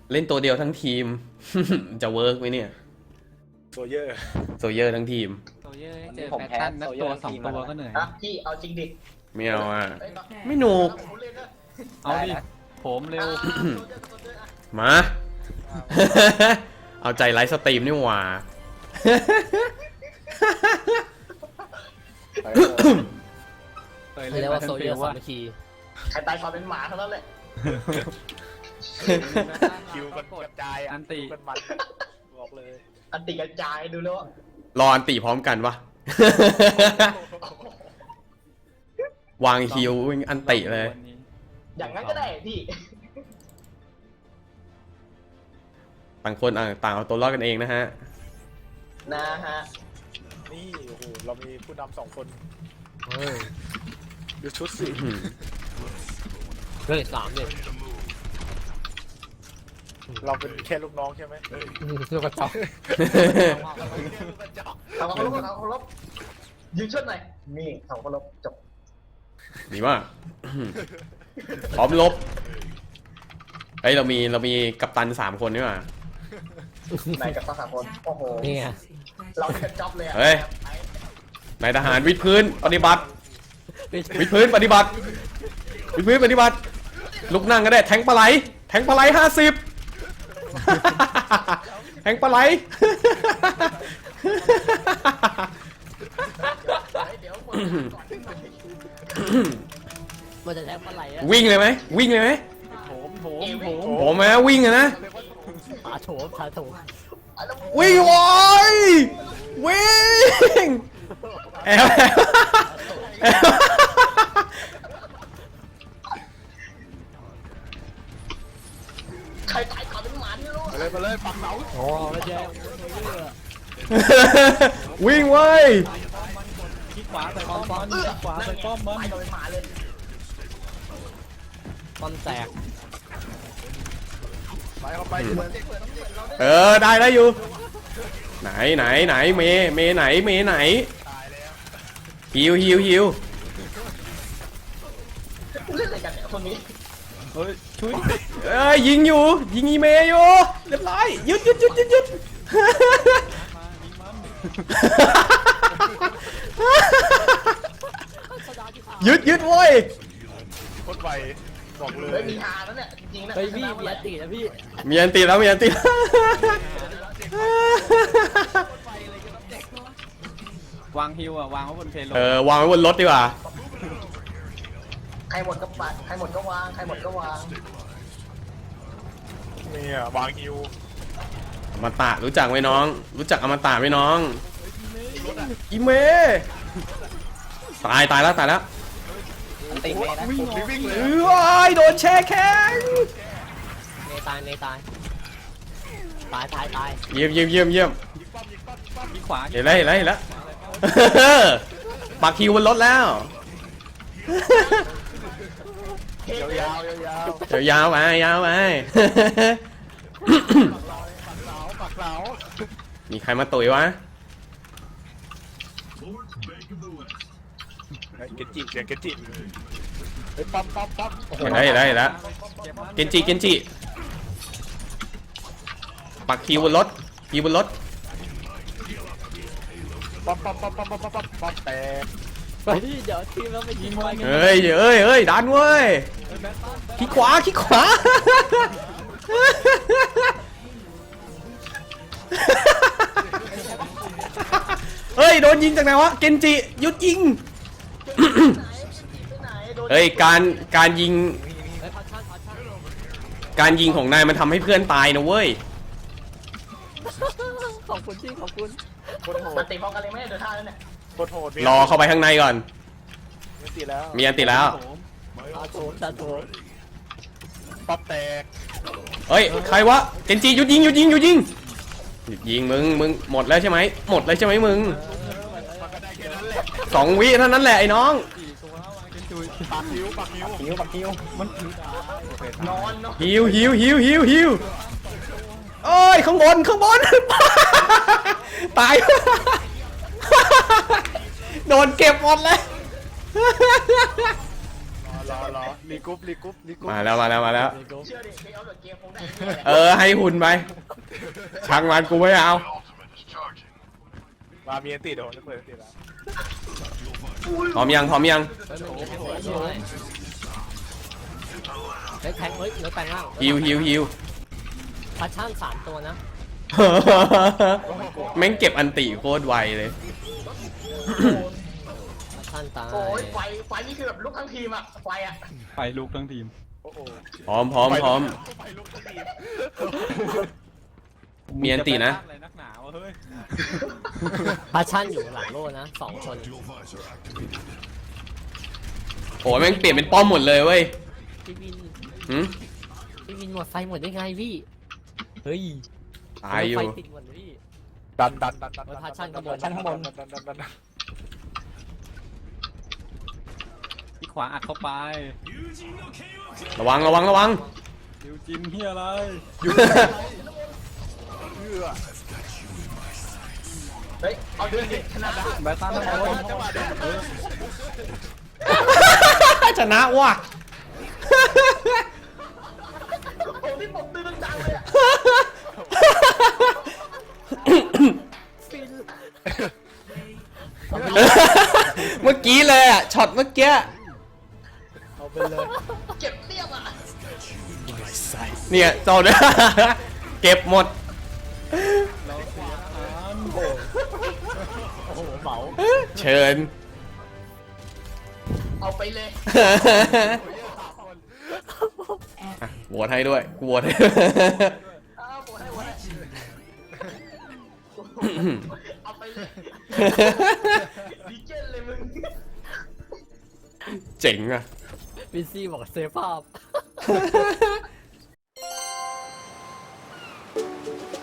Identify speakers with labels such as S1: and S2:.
S1: เล่นตัวเดียวทั้งทีม จะเวิร์กไหมเนี่ย
S2: โซเยอร์
S1: โซเยอร์ทั้งทีม
S3: โซเยอร์เจอแพททันนักตัว2 ตัวก็เหนื่อย
S4: อ่ะพี่เอาจริงดิ
S1: ไม่เอาอ่ะ
S4: เอ้ย
S1: ไม่หนุก
S4: ผมเล่นนะ
S3: เอาดิผมเร็ว
S1: มา เอาใจไลฟ์สตรีมนี่หว่า
S5: เรียกว่าโซเยอร์สามัคคี
S4: ใครตายก่อนเป็นหมาเท่านั้นแหละ
S2: คิวกันกระจาย
S3: อันติ
S2: กันมันบอกเลย
S4: อันติกระจายดูแล้ว
S1: รออันติพร้อมกันวะ วางฮิวอันติเลย
S4: อย่างนั้นก็ได้พี่
S1: ต่างคนต่างเอาตัวรอดกันเองนะฮะ
S4: นะฮะ
S2: นี่โอ้โหเรามีผู้นำ2 คน
S5: เฮ้ย
S2: ดูชุดสิ
S5: เรื่อง3เนี่ย
S2: เราเป็นแค่ลูกน้องใช่ไหม
S5: ลูกกระจอก
S4: เอาเคารพเอาเคารพยืนชดหน่อยนี่เอาเคารพจบ
S1: ดีมาก พร้อมลบ เฮ้ยเรามีกัปตัน3 คนนี่หว่า
S4: ไหนกับตาสามคนโอ้โห
S5: นี่ไง
S4: เราเป็นจ็อบเลยอะ
S1: เฮ้ย นายทหารวิดพื้นปฏิบัติ วิดพื้นปฏิบัติ วิดพื้นปฏิบัติ ลุกนั่งก็ได้แทงปลาไหล แทงปลาไหล50 แทงปลาไหล
S4: เดี๋ยวก่อนก่อน
S5: มันจะแทงปลาไหลอะ
S1: วิ่งเลยไหมวิ่งเลยไหม ผมไหมวิ่งอะนะ
S5: ผาโถมผาโถม
S1: วิ่งโว้ยวิ่งแอบแอบ
S4: ใครตายก่อนเป็นหมาไม่รู้
S2: มาเลยปักเสา
S5: โอ้ไม่ใช่
S1: วิ่งเว้ย
S3: คลิกขวาใส่ป้อมมันคลิกขวาใส่ป้อมมัน
S4: ตายก่อนเป็นหมาเลย
S5: ต้นแตก
S2: ไปเข้าไป
S1: ได้อยู่ ไหนเมไหนฮิว
S4: เล่นอะไรกันเนี่ยคนนี้
S3: เฮ้ยช่วย
S1: เอ้ยยิงอยู่ยิงอีเมย์อยู่เรียบร้อยหยุดหยุดเว้ย
S2: โคตรไวบอกเล
S4: เฮ้ย
S2: ย
S4: มีฮาแล้วเนี่ยจริงๆนะ
S5: เฮ้ยพี่มีอันตินะพี่
S1: มีอันตีแล้ว
S3: วางฮิววางไว้บนเพลโล
S1: วางไว้บนรถดีกว่า
S4: ใครหมดก็ปัดใครหมดก็วางใครหมดก็วาง
S2: เนี่ยวางฮิว
S1: อมตะรู้จักไหมน้อง รู้จักอมตะไหมน้องอีเมตายแล้ว
S4: อันติเมย์นะ
S2: วิ่งเลย
S1: เอ้ยโดนแช่แข็ง
S5: เนตายตาย
S1: เยี่ยม
S3: คลิกขวา
S1: เห็นแล้ว ปักคิวบนรถแล้ว
S2: ยาวๆ
S1: ยาวไป
S2: ปักเสา
S1: มีใครมาตุ๋ยวะ
S2: เกจิเสียงเกจิเฮ้ยปั๊มโอ้โห
S1: เห็นแล้วเกนจิปักคิวบนรถ
S2: ปั๊มแต่
S5: ไปดิเดี๋ยวทีมเราไปยิงมัน
S1: เฮ้ยดันเว้ยขี้ขวาเฮ้ยโดนยิงจากไหนวะเกนจิหยุดยิง เฮ้ยการยิงของนายมันทำให้เพื่อนตายนะเว้ย
S5: ขอบคุณพี่ขอบคุณ
S2: โคตรโห
S4: อั
S2: ด
S4: นติพร้อมกันเลยไหมเดี๋ยวท่าแล้วเนี่ย
S2: โคตรโหด
S1: รอเข้าไปข้างในก่อน
S2: มีตีแล้ว
S1: มีอันติแล้ว
S5: ผาโถม
S2: ปั๊มแตก
S1: เฮ้ยใครวะเกนจิหยุดยิงมึงหมดแล้วใช่ไหมมึง
S2: มันก็ได้แค่นั้นแหละ
S1: 2 วิเท่านั้นแหละไอ้น้อง
S2: ปักฮิว
S3: มันถือน
S4: อนเนาะ
S1: หิวเอ้ยข้างบน ตาย โดนเก็บหมดเลย
S2: รอรีกรุ๊ป
S1: มาแล้ว
S4: เชื่อดิไม่เอาเดอะเกมคงได้
S1: ให้หุ่นไปช่างมันกูไม่เอา
S2: มามีอันติเดี๋ยวผมจะเปิดอันติแล้ว
S1: พร้อมยัง
S5: เฮ้ยมันมีแทงหัวด้วยเฮ้ยแทงเฮ้ยรถแปลงร่าง
S1: ฮิว
S5: พัชชั่น3 ตัวนะ
S1: แม่งเก็บอันติโคตรไวเลย
S5: พัชชั่นตาย
S4: โอ้ยไฟนี่คือแบบลุกทั้งทีมอะไฟอะ
S3: ไปลุกทั้งทีม
S2: โอ้โห
S1: พร้อม
S2: ไฟลุกทันที
S1: มีอันตินะ
S3: อะไรนักหนาวะเฮ้ย
S5: พัชชั่นอยู่หลังโล่นะ2 คน
S1: โอ้แม่งเปลี่ยนเป็นป้อมหมดเลยเว้ย
S5: พี่วิน
S1: หืม
S5: พี่วินหมดไฟหมดได้ไงพี่เฮ้ย
S1: ตายอยู่
S5: ไฟติดหมดเลยพี่
S2: ดัน
S5: พัชชั่นข้างบน
S2: ดัน
S3: ที่ขวาอัดเข้าไป
S1: ระวัง
S3: ดิวจินเฮียอะไร
S4: เฮ้ยเอาเดือนดิชนะ
S3: แบตันทั้งหมด
S2: จังหวะเดิน
S1: ชนะว่ะ
S4: โอ้พี่ผมตื่นดังเลยอะ
S1: เมื่อกี้เลยอ่ะช็อตเมื่อกี้
S5: เอาไปเลย
S4: เก็บเตี้ยมอะ
S1: เนี่ยเจ้าเนี่ย เก็บหมด
S3: เราเสียทหาร
S5: โอ้โหเหมา
S1: เชิญ
S4: เอาไปเลย
S1: อ่ะโหวตให้ด้วยกูโหวตให้
S4: อ้าวโหให้เอาไปเลยดีเจนเลยมึง
S1: เจ๋งอ่ะ
S5: วินซี่บอกเซฟภาพ